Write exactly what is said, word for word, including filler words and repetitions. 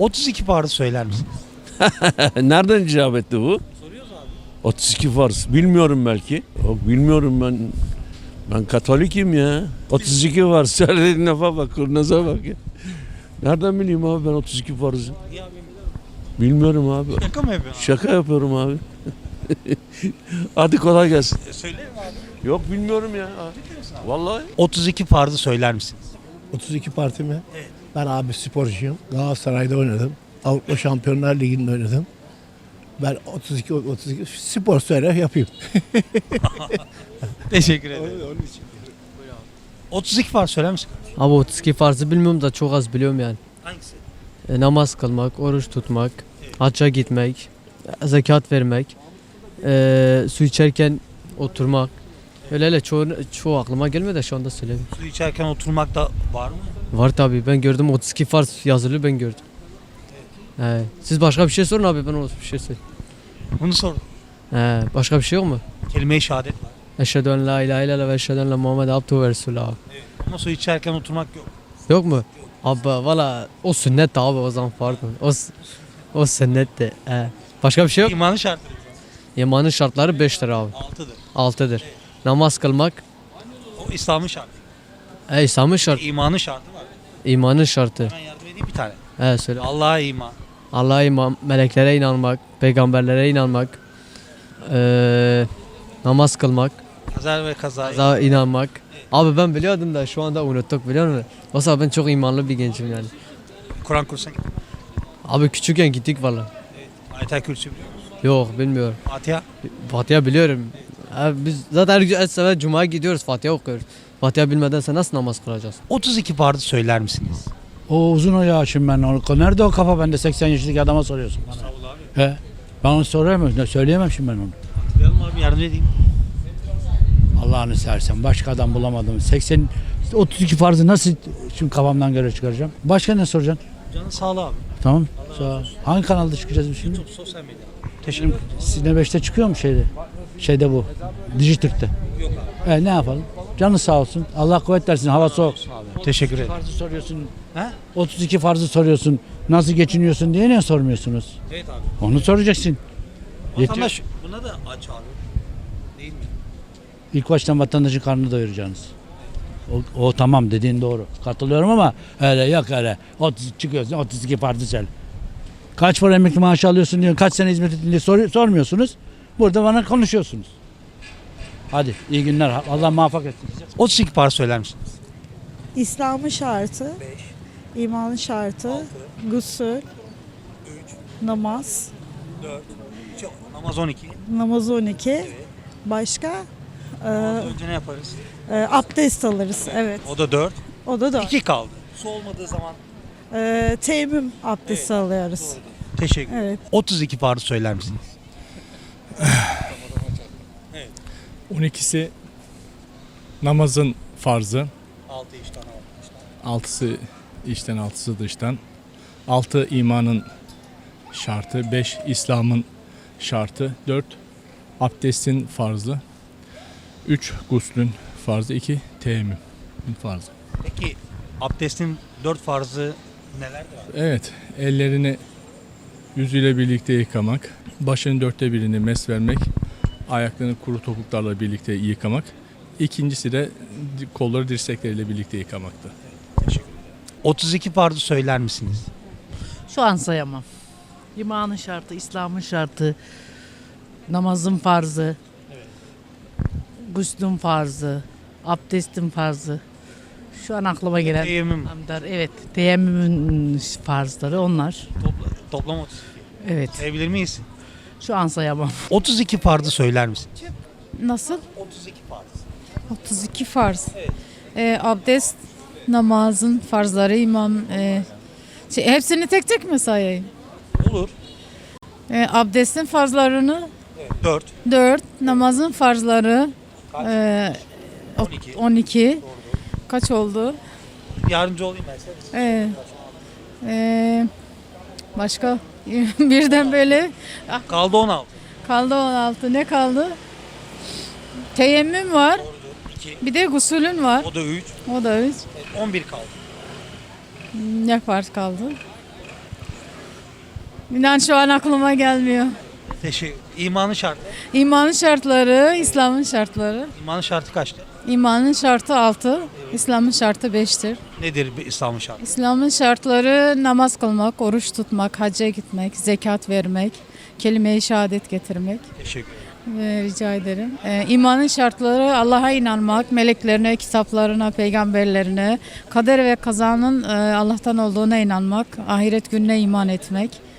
otuz iki farzı söyler misiniz? Nereden icap etti bu? Soruyoruz abi. otuz iki farz. Bilmiyorum belki. Yok bilmiyorum ben. Ben Katolikim ya. otuz iki farz. Söylediğin lafa bak, kurnaza bak ya. Nereden bileyim abi ben otuz iki farzı? Niye abi? Bilmiyorum abi. Şaka mı yapıyorsun? Şaka yapıyorum abi. Hadi kolay gelsin. E, Söylerim abi. Yok bilmiyorum ya. Vallahi. otuz iki farzı söyler misiniz? otuz iki parti mi? Evet. Ben abi sporcuyum. Galatasaray'da oynadım. Avrupa Şampiyonlar Ligi'nde oynadım. Ben otuz iki otuz iki spor söyle yapayım. Teşekkür ederim. otuz iki farz söyler misin? Abi otuz iki farzı bilmiyorum da çok az biliyorum yani. Hangisi? E, namaz kılmak, oruç tutmak, hacca gitmek, e, zekat vermek, e, su içerken oturmak. Öyle öyle çoğu, çoğu aklıma gelmedi de şu anda söyleyeyim. Su içerken oturmak da var mı? Var tabi, ben gördüm otuz iki farz yazılı, ben gördüm. E, siz başka bir şey sorun abi, ben o bir şey söyleyeyim. Bunu sor. E, başka bir şey yok mu? Kelime-i şehadet var. Eşhedü en la ilahe illallah ve eşhedü enne Muhammed abduhu ve resulü abi. Evet. Ama su içerken oturmak yok. Yok mu? Abi valla o sünnet abi, o zaman pardon. O, o sünnet de. E, başka bir şey yok. İmanın şartları. İmanın şartları beştir abi. Altıdır. altıdır. Namaz kılmak, O İslam'ın şartı. e, İslam'ın şartı, İmanın şartı var. imanın şartı. Ben yardım edeyim bir tane. He söyle. Allah'a iman. Allah'a iman, meleklere inanmak, peygamberlere inanmak, eee, namaz kılmak, Kaza ve kaza. kaza inanmak. Abi ben biliyordum da şu anda unuttuk, biliyor musun? Oysa ben çok imanlı bir gencim yani. Kur'an kursuna git. Abi küçükken gittik valla. Ayet-el Kürsü biliyor musun? Yok bilmiyorum. Fatiha. Fatiha biliyorum. Abi biz zaten her, her sefer Cuma'ya gidiyoruz, Fatiha okuyoruz. Fatiha bilmeden sen nasıl namaz kılacağız? otuz iki farzı söyler misiniz? O uzun o ya şimdi ben onu. Nerede o kafa bende seksen yaşındaki adama soruyorsun bana. Sağ ol abi. He. Ben onu sorayım ne söyleyemem şimdi ben onu. Hatırlayalım abi, yardım edeyim. Allah'ını seversen başka adam bulamadım. seksen otuz iki farzı nasıl şimdi kafamdan göre çıkaracağım? Başka ne soracaksın? Canın sağlığı abi. Tamam. Sağ ol. Hangi kanalda çıkacağız biz şimdi? YouTube, sosyal medya. Teşekkür ederim. Sizin beşte çıkıyor mu şeyde? Şeyde bu. Dijitürk'te. Yok abi. E ne yapalım? Canı sağ olsun. Allah kuvvet versin. Hava soğuk. Teşekkür ederim. Farzı soruyorsun. He? otuz iki farzı soruyorsun. Nasıl geçiniyorsun diye ne sormuyorsunuz? Evet abi. Onu soracaksın. Vatandaş buna da aç abi. Değil mi? İlk baştan vatandaşın karnını doyuracaksınız. O, o tamam dediğin doğru. Katılıyorum ama öyle yok öyle. otuz çıkıyorsun otuz iki farzı söyle. Kaç para emekli maaşı alıyorsun diyor. Kaç sene hizmet ettin diye sor, sormuyorsunuz. Burada bana konuşuyorsunuz. Hadi iyi günler. Allah muvaffak etsin. otuz iki farz söyler misiniz? İslam'ın şartı, imanın şartı, gusül, namaz, Namaz on iki. namaz on iki, başka e, Namaz önce ne yaparız? e, abdest alırız. Evet, O da dört. o da da. iki kaldı. Su olmadığı zaman. E, teyemmüm abdesti alıyoruz. Teşekkür ederim. Evet. otuz iki farz söyler misiniz? on ikisi namazın farzı, altı işten altısı içten altısı dıştan, altı imanın şartı, beş İslam'ın şartı, dört abdestin farzı, üç guslün farzı, iki teyemmümün farzı. Peki abdestin dört farzı nelerdir abi? Evet, ellerini yüzüyle birlikte yıkamak, başının dörtte birini mes vermek, ayaklarını kuru topuklarla birlikte yıkamak. İkincisi de kolları dirsekleriyle birlikte yıkamaktı. otuz iki farzı söyler misiniz? Şu an sayamam. İmanın şartı, İslam'ın şartı, namazın farzı, guslün farzı, abdestin farzı. Şu an aklıma gelen. Teyemmüm. Hamdar, evet, teyemmümün farzları onlar. Topla, toplam otuz iki. Evet, Sayabilir miyiz? şu an sayamam. otuz iki farzı söyler misin? Nasıl? otuz iki farz. otuz iki farz. Ee, abdest, namazın farzları, imam. E, şey, hepsini tek tek mi sayayım? Olur. Ee, abdestin farzlarını dört. dört, namazın farzları e, on iki. on iki. Kaç oldu? Yardımcı olayım ben size. Ee, e, başka birden böyle Kaldı on altı. kaldı on altı. Ne kaldı? Teyemmüm var. iki. Bir de gusülün var. O da üç. O da üç. on bir kaldı. Ne farz kaldı? İnan şu an aklıma gelmiyor. Teşekkür. İmanın şartı. İmanın şartları, İslam'ın şartları. İmanın şartı kaçtır? İmanın şartı altı, İslam'ın şartı beştir. Nedir bir İslam'ın şartı? İslam'ın şartları namaz kılmak, oruç tutmak, hacca gitmek, zekat vermek, kelime-i şehadet getirmek. Teşekkür ederim. Ee, rica ederim. Ee, imanın şartları Allah'a inanmak, meleklerine, kitaplarına, peygamberlerine, kader ve kazanın e, Allah'tan olduğuna inanmak, ahiret gününe iman etmek,